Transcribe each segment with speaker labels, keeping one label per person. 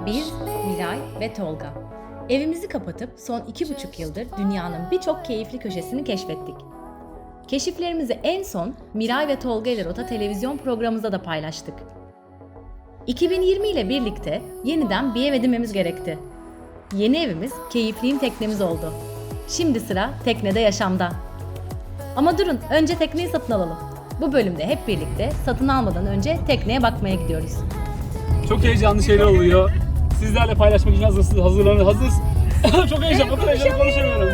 Speaker 1: Biz, Miray ve Tolga. Evimizi kapatıp son 2,5 yıldır dünyanın birçok keyifli köşesini keşfettik. Keşiflerimizi en son Miray ve Tolga ile Rota televizyon programımızda da paylaştık. 2020 ile birlikte yeniden bir ev edinmemiz gerekti. Yeni evimiz keyifli teknemiz oldu. Şimdi sıra teknede yaşamda. Ama durun, önce tekneyi satın alalım. Bu bölümde hep birlikte satın almadan önce tekneye bakmaya gidiyoruz.
Speaker 2: Çok heyecanlı şeyler oluyor. Sizlerle paylaşmak için hazırız. Çok heyecanlı, o kadar heyecanlı konuşamıyorum.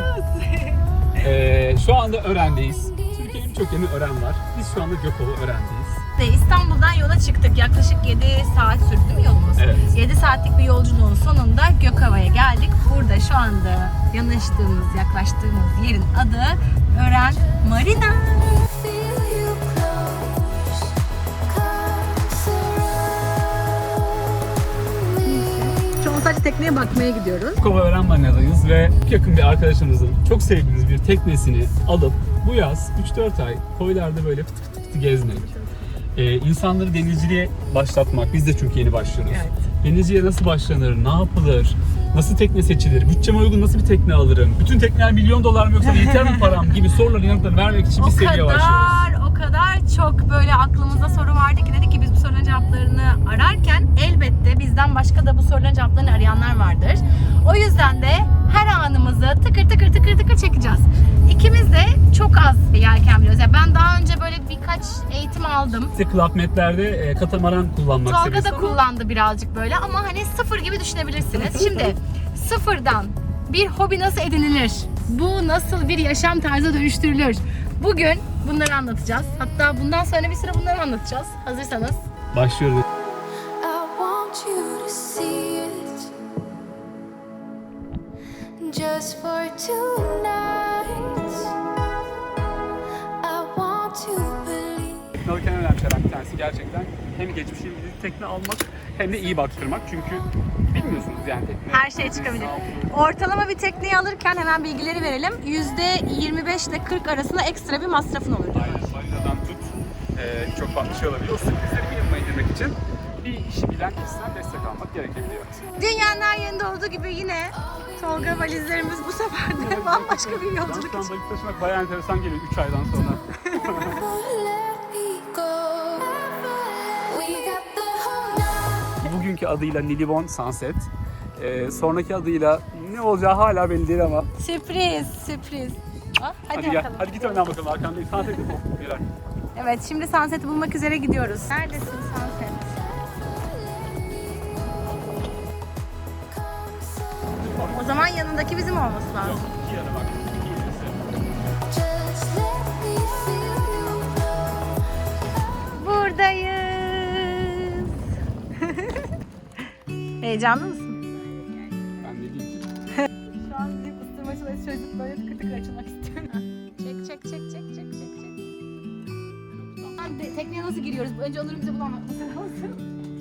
Speaker 2: Şu anda Ören'deyiz. Türkiye'nin birçok yerinde Ören var. Biz şu anda Gökova Ören'deyiz.
Speaker 1: İstanbul'dan yola çıktık. Yaklaşık 7 saat sürdü değil mi yolumuz?
Speaker 2: Evet.
Speaker 1: 7 saatlik bir yolculuğun sonunda Gökova'ya geldik. Burada şu anda yaklaştığımız yerin adı Ören Marina. Şu an sadece tekneye bakmaya gidiyoruz.
Speaker 2: Gökova Ören Marina'dayız ve yakın bir arkadaşımızın çok sevdiğimiz bir teknesini alıp bu yaz 3-4 ay koylarda böyle fıtı fıtı gezmek. İnsanları denizciliğe başlatmak. Biz de çünkü yeni başlıyoruz.
Speaker 1: Evet.
Speaker 2: Denizciliğe nasıl başlanır, ne yapılır, nasıl tekne seçilir, bütçeme uygun nasıl bir tekne alırım, bütün tekneler $1.000.000 mı yoksa yeter mi param gibi soruların yanıtlarını vermek için bir seriye başlıyoruz.
Speaker 1: O kadar çok böyle aklımızda soru vardı ki dedik ki biz bu soruların cevaplarını ararken elbette bizden başka da bu soruların cevaplarını arayanlar vardır. O yüzden de her anımızı tıkır tıkır çekeceğiz. İkimiz de çok az yelken biliyoruz. Yani ben daha önce böyle birkaç eğitim aldım.
Speaker 2: İşte Club Med'lerde katamaran kullanmak
Speaker 1: Tolga
Speaker 2: serbest
Speaker 1: da
Speaker 2: ama
Speaker 1: kullandı birazcık böyle ama hani sıfır gibi düşünebilirsiniz. Şimdi sıfırdan bir hobi nasıl edinilir? Bu nasıl bir yaşam tarzı dönüştürülür? Bugün bunları anlatacağız. Hatta bundan sonra bir süre bunları anlatacağız. Hazırsanız.
Speaker 2: başlıyoruz.
Speaker 3: I want you to see it just for tonight. I want to believe.
Speaker 2: Tekne alırken en önemli şeylerden bir tanesi gerçekten hem geçmişe ilgili tekne almak hem de iyi baktırmak. Çünkü bilmiyorsunuz yani tekne.
Speaker 1: Her şey çıkabilir. Ortalama bir tekneyi alırken hemen bilgileri verelim. %25 ile 40 arasında ekstra bir masrafın olur.
Speaker 2: Aynen, balinadan tut çok farklı şey olabilir. O sürprizleri minimuma indirmek için bir işi bilen kişiden destek almak gerekebiliyor.
Speaker 1: Dünyanın her yerinde olduğu gibi yine Tolga valizlerimiz bu sefer de bambaşka bir yolculuk
Speaker 2: Yalnız
Speaker 1: için.
Speaker 2: balık taşımak bayağı enteresan geliyor 3 aydan sonra.
Speaker 3: Let me go. We got the whole night.
Speaker 2: Bugünkü adıyla Nilibon Sunset. Sonraki adıyla ne olacağı hala belli değil ama.
Speaker 1: Sürpriz. Hadi
Speaker 2: Hadi gel.
Speaker 1: bakalım.
Speaker 2: Hadi git önden bakalım arkandayım. Sunset'i bul. Miray.
Speaker 1: Evet, şimdi Sunset'i bulmak üzere gidiyoruz. Neredesin Sunset? O zaman yanındaki bizim olması lazım.
Speaker 2: İki yana bak. İki ilerisi.
Speaker 3: Just let me feel you.
Speaker 1: Buradayız. Heyecanlı mısın?
Speaker 2: Ben de değilim.
Speaker 1: Şu an zil ısırma çalışması çözüp böyle tıkır tıkır açılmak istiyorum. Çek. Tekneye nasıl giriyoruz? Önce Onur'un bize bunu anlatması lazım.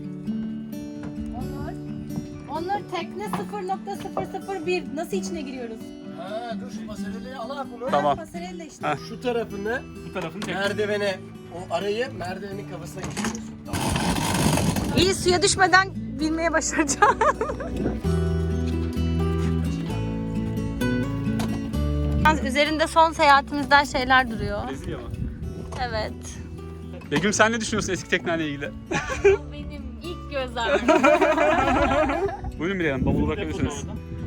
Speaker 1: Onur tekne 0.001. Nasıl içine giriyoruz?
Speaker 4: Ha, dur şu pasareli al bunu.
Speaker 2: Tamam.
Speaker 1: Pasarella işte.
Speaker 2: Ha.
Speaker 4: Şu tarafını
Speaker 2: Bu tarafını çek.
Speaker 4: merdivene, o arayı merdivenin kafasına geçiriyorsun. Tamam.
Speaker 1: İyi, suya düşmeden bilmeye başaracağım. Yalnız üzerinde son seyahatimizden şeyler duruyor.
Speaker 2: Brezilya mı?
Speaker 1: Evet.
Speaker 2: Begüm sen ne düşünüyorsun eski tekneyle ilgili?
Speaker 1: Benim ilk göz ağrım.
Speaker 2: Buyurun Miray Hanım, bavulu bırakabilirsiniz.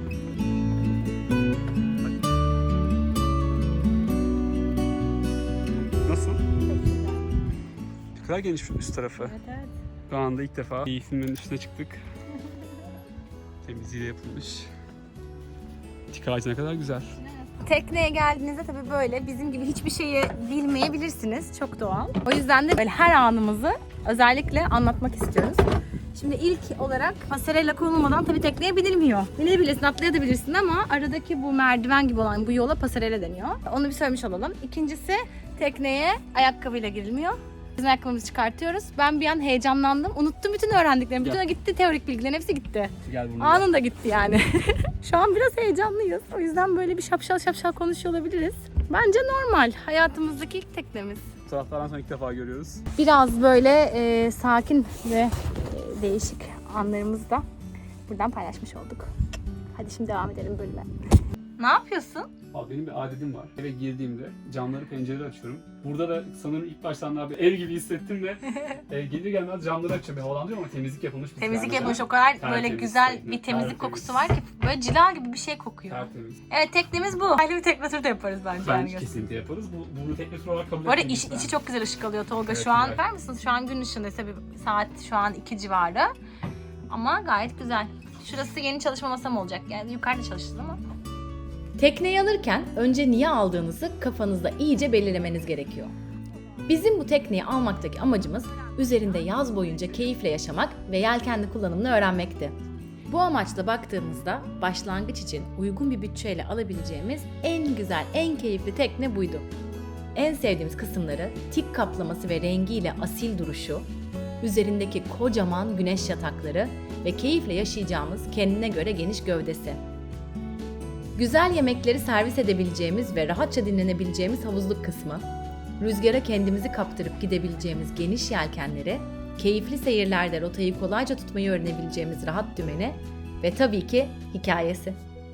Speaker 2: Nasıl? Ne kadar geniş üst tarafı.
Speaker 1: Evet.
Speaker 2: Şu anda ilk defa keyfimin üstüne çıktık. Temizliği de yapılmış. Tik ağacı ne kadar güzel.
Speaker 1: Tekneye geldiğinizde tabii böyle bizim gibi hiçbir şeyi bilmeyebilirsiniz. Çok doğal. O yüzden de böyle her anımızı özellikle anlatmak istiyoruz. Şimdi ilk olarak pasarella konulmadan tabii tekneye binilmiyor. Binebilirsin, atlayabilirsin ama aradaki bu merdiven gibi olan bu yola pasarella deniyor. Onu bir söylemiş olalım. İkincisi tekneye ayakkabıyla girilmiyor. Biz ayakkabımızı çıkartıyoruz. Ben bir an heyecanlandım. Unuttum bütün öğrendiklerimi. Bütün o gitti, teorik bilgilerin hepsi gitti.
Speaker 2: Gel bunu.
Speaker 1: Anında gitti yani. Şu an biraz heyecanlıyız. O yüzden böyle bir şapşal konuşuyor olabiliriz. Bence normal. Hayatımızdaki ilk teknemiz.
Speaker 2: Bu taraflardan sonra ilk defa görüyoruz.
Speaker 1: Biraz böyle sakin ve değişik anlarımızda buradan paylaşmış olduk. Hadi şimdi devam edelim bölüme. Ne yapıyorsun?
Speaker 2: Abi benim bir adetim var. Eve girdiğimde camları, pencereleri açıyorum. Burada da sanırım ilk baştan daha bir ev gibi hissettim de gelir gelmez camları açıyorum. Havalandırıyorum ama temizlik yapılmış bir
Speaker 1: Temizlik
Speaker 2: tane.
Speaker 1: yapılmış, o kadar böyle
Speaker 2: Tertemiz,
Speaker 1: güzel
Speaker 2: tertemiz,
Speaker 1: bir temizlik
Speaker 2: tertemiz.
Speaker 1: kokusu var ki böyle cila gibi bir şey kokuyor.
Speaker 2: Tertemiz.
Speaker 1: Evet, teknemiz bu. Ayrı bir tekne turu da yaparız bence.
Speaker 2: Bence
Speaker 1: yani.
Speaker 2: kesinlikle yaparız. Bunu tekne turu olarak kabul
Speaker 1: Bu arada
Speaker 2: etmeyiz
Speaker 1: içi
Speaker 2: ben.
Speaker 1: çok güzel ışık alıyor Tolga.
Speaker 2: Evet,
Speaker 1: Şu an
Speaker 2: güzel.
Speaker 1: bakar mısınız? Şu an gün ışığında ise bir saat şu an 2 civarı. Ama gayet güzel. Şurası yeni çalışma masam olacak. Yani yukarıda çalışacağız ama. Tekneyi alırken önce niye aldığınızı kafanızda iyice belirlemeniz gerekiyor. Bizim bu tekneyi almaktaki amacımız üzerinde yaz boyunca keyifle yaşamak ve yelkenli kullanımını öğrenmekti. Bu amaçla baktığımızda başlangıç için uygun bir bütçeyle alabileceğimiz en güzel, en keyifli tekne buydu. En sevdiğimiz kısımları tik kaplaması ve rengiyle asil duruşu, üzerindeki kocaman güneş yatakları ve keyifle yaşayacağımız kendine göre geniş gövdesi. Güzel yemekleri servis edebileceğimiz ve rahatça dinlenebileceğimiz havuzluk kısmı, rüzgara kendimizi kaptırıp gidebileceğimiz geniş yelkenleri, keyifli seyirlerde rotayı kolayca tutmayı öğrenebileceğimiz rahat dümeni ve tabii ki hikayesi.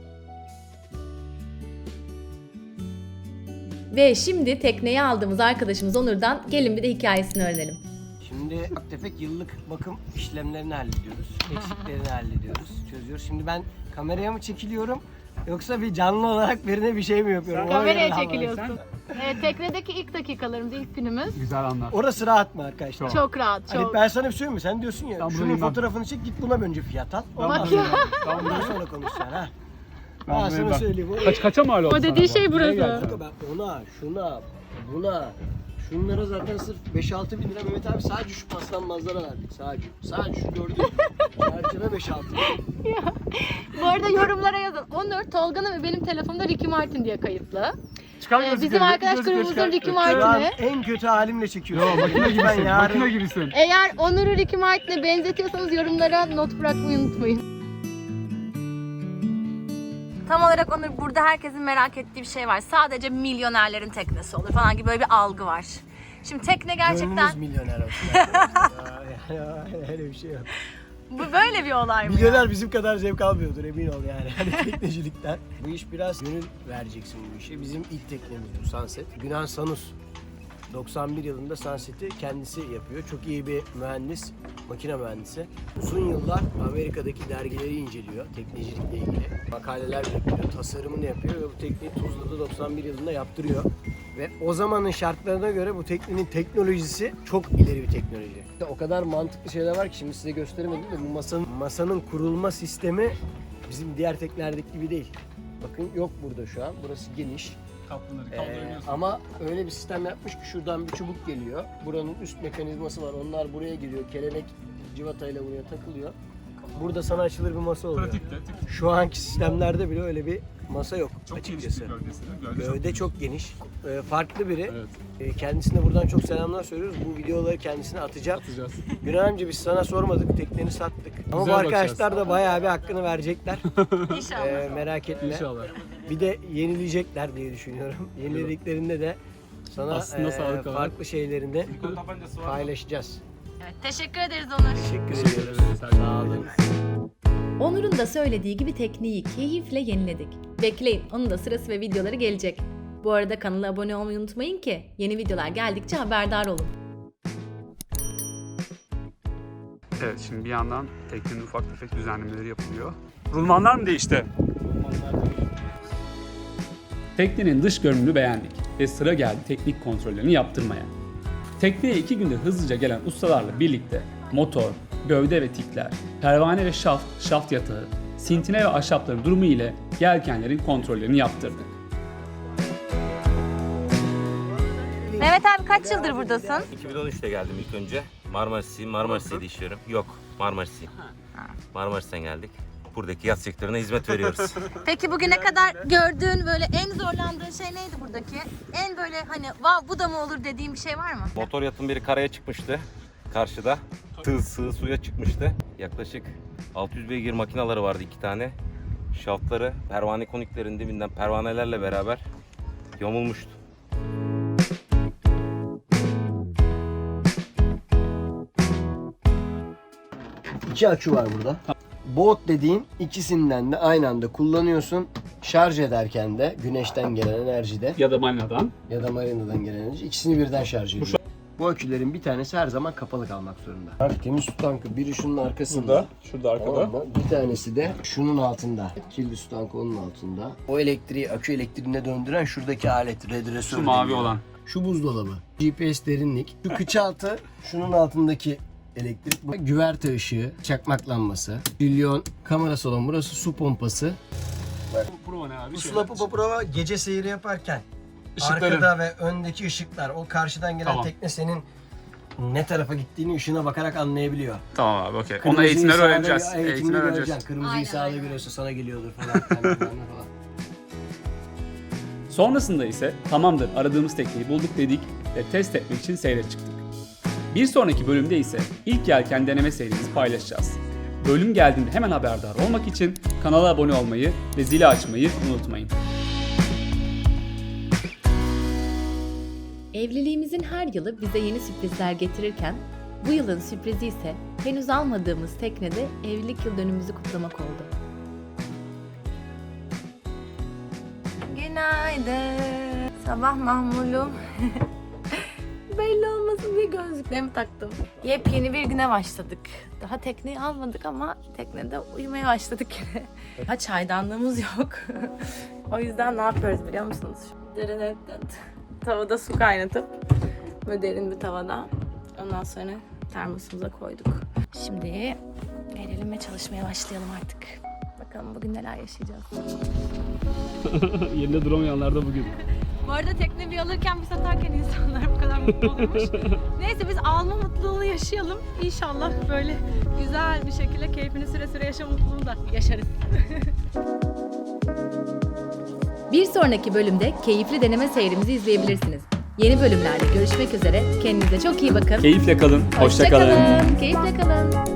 Speaker 1: Ve şimdi tekneyi aldığımız arkadaşımız Onur'dan gelin bir de hikayesini öğrenelim.
Speaker 4: Şimdi ufak tefek yıllık bakım işlemlerini hallediyoruz. Eksiklerini hallediyoruz, çözüyoruz. Şimdi ben kameraya mı çekiliyorum yoksa bir canlı olarak birine bir şey mi yapıyorum? Ona göre
Speaker 5: Kameraya
Speaker 4: davranın.
Speaker 5: çekiliyorsun. Teknedeki ilk dakikalarımız, ilk günümüz.
Speaker 2: Güzel anlar.
Speaker 4: Orası rahat mı arkadaşlar?
Speaker 5: Çok rahat,
Speaker 4: Hani
Speaker 5: çok.
Speaker 4: ben sana bir söyleyeyim mi? Sen diyorsun ya,
Speaker 2: Ben
Speaker 4: şunun
Speaker 2: buradayım ben.
Speaker 4: fotoğrafını çek, git buna önce fiyat al. Ondan
Speaker 2: Bak
Speaker 4: sonra,
Speaker 5: ya.
Speaker 4: ondan sonra konuşacaksın ha.
Speaker 2: Ben
Speaker 4: Ben sana
Speaker 2: buradayım.
Speaker 4: söyleyeyim.
Speaker 2: Kaça mal oldu
Speaker 5: O dediği
Speaker 2: sana bu?
Speaker 5: şey
Speaker 2: Neye
Speaker 5: burası.
Speaker 2: geldi sana?
Speaker 4: Kanka ben ona, şuna, buna, şunlara zaten sırf 5-6 bin lira Mehmet abi sadece şu paslanmazlara verdik. Sadece şu gördüğün çerçeve 5-6 bin.
Speaker 5: Bu arada yorumlara yazın. Onur, Tolga'nın ve benim telefonumda Ricky Martin diye kayıtlı.
Speaker 2: Çıkar
Speaker 5: Bizim
Speaker 2: gözlükleri,
Speaker 5: arkadaş
Speaker 2: gözlükleri
Speaker 5: grubumuzun
Speaker 2: çıkar.
Speaker 5: Ricky
Speaker 4: Şu an
Speaker 5: Martin'i.
Speaker 4: en kötü halimle çekiyorum.
Speaker 2: Yo, makine
Speaker 4: Ben
Speaker 2: gibisin,
Speaker 4: yarın-
Speaker 2: makine gibisin.
Speaker 5: Eğer Onur'u Ricky Martin'e benzetiyorsanız yorumlara not bırakmayı unutmayın.
Speaker 1: Tam olarak Onur, burada herkesin merak ettiği bir şey var. Sadece milyonerlerin teknesi olur falan gibi böyle bir algı var. Şimdi tekne gerçekten
Speaker 4: Gönlünüz milyoner olsun. arkadaşlar. Ya, öyle bir şey yok.
Speaker 1: bu böyle bir olay mı? ya?
Speaker 4: Milyoner bizim kadar zevk almıyordur emin ol yani. Hani teknecilikten. Bu iş biraz gönül vereceksin bu işe. Bizim ilk teknemiz bu Sunset. Günan Sanus 91 yılında Sunset'i kendisi yapıyor. Çok iyi bir mühendis, makine mühendisi. Uzun yıllar Amerika'daki dergileri inceliyor teknecilikle ilgili. Makaleler yapıyor, tasarımını yapıyor ve bu tekneyi Tuzla'da 91 yılında yaptırıyor. Ve o zamanın şartlarına göre bu teknenin teknolojisi çok ileri bir teknoloji. O kadar mantıklı şeyler var ki şimdi size gösteremedim de bu masanın kurulma sistemi bizim diğer teknelerdeki gibi değil. Bakın yok burada şu an. Burası geniş. Ama öyle bir sistem yapmış ki şuradan bir çubuk geliyor. Buranın üst mekanizması var. Onlar buraya giriyor. Kelebek civatayla buraya takılıyor. Burada sana açılır bir masa oluyor.
Speaker 2: Pratikte.
Speaker 4: Şu anki sistemlerde bile öyle bir masa yok
Speaker 2: Çok geniş
Speaker 4: açıkçası.
Speaker 2: bir gövdesi. Gövde
Speaker 4: Gövde çok geniş. Farklı biri.
Speaker 2: Evet.
Speaker 4: Kendisine buradan çok selamlar söylüyoruz. Bu videoları kendisine atacağım.
Speaker 2: Atacağız.
Speaker 4: Günan amca biz sana sormadık. Tekneni sattık. Ama
Speaker 2: Güzel
Speaker 4: bu arkadaşlar
Speaker 2: bakacağız.
Speaker 4: da bayağı bir hakkını verecekler.
Speaker 1: İnşallah.
Speaker 4: Merak etme.
Speaker 2: İnşallah.
Speaker 4: Bir de yenileyecekler diye düşünüyorum. Yenilediklerinde de sana
Speaker 2: Aslında sağlık olarak.
Speaker 4: farklı şeylerini paylaşacağız.
Speaker 1: Evet, teşekkür ederiz Onur.
Speaker 4: Teşekkür ediyoruz.
Speaker 2: Sağ olun.
Speaker 1: Onur'un da söylediği gibi tekneyi keyifle yeniledik. Bekleyin, onun da sırası ve videoları gelecek. Bu arada kanala abone olmayı unutmayın ki yeni videolar geldikçe haberdar olun.
Speaker 2: Evet, şimdi bir yandan teknenin ufak tefek düzenlemeleri yapılıyor. Rulmanlar mı değişti? Teknenin dış görünümünü beğendik ve sıra geldi teknik kontrollerini yaptırmaya. Tekneye 2 günde hızlıca gelen ustalarla birlikte motor, gövde ve tikler, pervane ve şaft yatağı, sintine ve ahşapların durumu ile yelkenlerin kontrollerini yaptırdık.
Speaker 1: Mehmet abi kaç yıldır buradasın?
Speaker 6: 2013'te geldim ilk önce. Marmaris'te işliyorum. Yok, Marmaris'ten geldik. Buradaki yat sektörüne hizmet veriyoruz.
Speaker 1: Peki bugüne kadar gördüğün böyle en zorlandığın şey neydi buradaki? En böyle hani vav bu da mı olur dediğin bir şey var mı?
Speaker 6: Motor yatın biri karaya çıkmıştı. Karşıda. Sığ suya çıkmıştı. Yaklaşık 600 beygir makinaları vardı 2 tane. Şaftları pervane koniklerin dibinden pervanelerle beraber yamulmuştu.
Speaker 4: İki akü var burada. Boat dediğin ikisinden de aynı anda kullanıyorsun. Şarj ederken de güneşten gelen enerjide
Speaker 2: Ya da marinadan.
Speaker 4: ya da marinadan gelen enerji ikisini birden şarj ediyor. Bu akülerin bir tanesi her zaman kapalı kalmak zorunda. Temiz su tankı biri şunun arkasında.
Speaker 2: Şurada arkada.
Speaker 4: Tamam mı? Bir tanesi de şunun altında. Kirli su tankı onun altında. O elektriği akü elektriğine döndüren şuradaki alet redresör.
Speaker 2: Şu mavi
Speaker 4: deniyor.
Speaker 2: olan.
Speaker 4: Şu buzdolabı. GPS derinlik. Şu kıç altı. Şunun altındaki elektrik. Bu güverte ışığı. Çakmak lambası. Trilyon kamerası olan burası su pompası.
Speaker 2: Pro ne abi?
Speaker 4: Bu Sulapı Poprova gece seyri yaparken
Speaker 2: Işıkların.
Speaker 4: arkada ve öndeki ışıklar, o karşıdan gelen
Speaker 2: Tamam.
Speaker 4: tekne senin ne tarafa gittiğini ışığına bakarak anlayabiliyor.
Speaker 2: Tamam abi okey. Onu
Speaker 4: Kırmızıyı
Speaker 2: eğitimleri
Speaker 4: sağda-
Speaker 2: öğreneceğiz.
Speaker 4: Eğitimini
Speaker 2: Eğitimleri öğreneceğiz.
Speaker 4: göreceksin. Kırmızıyı
Speaker 5: Aynen,
Speaker 4: sağda
Speaker 5: aynen.
Speaker 4: görüyorsa sana geliyordur falan. falan.
Speaker 2: Sonrasında ise tamamdır aradığımız tekneyi bulduk dedik ve test etmek için seyre çıktık. Bir sonraki bölümde ise ilk yelken deneme serimizi paylaşacağız. Bölüm geldiğinde hemen haberdar olmak için kanala abone olmayı ve zili açmayı unutmayın.
Speaker 1: Evliliğimizin her yılı bize yeni sürprizler getirirken bu yılın sürprizi ise henüz almadığımız teknede evlilik yıl dönümümüzü kutlamak oldu.
Speaker 5: Günaydın. Sabah mahmulum. Belli olmasın diye gözlüklerimi taktım. Yepyeni bir güne başladık. Daha tekneyi almadık ama teknede uyumaya başladık yine. Ha, çaydanlığımız yok. O yüzden ne yapıyoruz biliyor musunuz? Tavada su kaynatıp böyle derin bir tavada. Ondan sonra termosumuza koyduk. Şimdi gelelim ve çalışmaya başlayalım artık. Bakalım bugün neler yaşayacağız.
Speaker 2: Yerinde duramayanlar da bugün.
Speaker 5: Bu arada tekne bir alırken bir satarken insanlar bu kadar mutlu olmuş. Neyse biz alma mutluluğunu yaşayalım. İnşallah böyle güzel bir şekilde keyfini süre süre yaşama mutluluğunu da yaşarız.
Speaker 1: Bir sonraki bölümde keyifli deneme seyrimizi izleyebilirsiniz. Yeni bölümlerde görüşmek üzere. Kendinize çok iyi bakın.
Speaker 2: Keyifle kalın. Hoşça kalın.
Speaker 1: Keyifle kalın.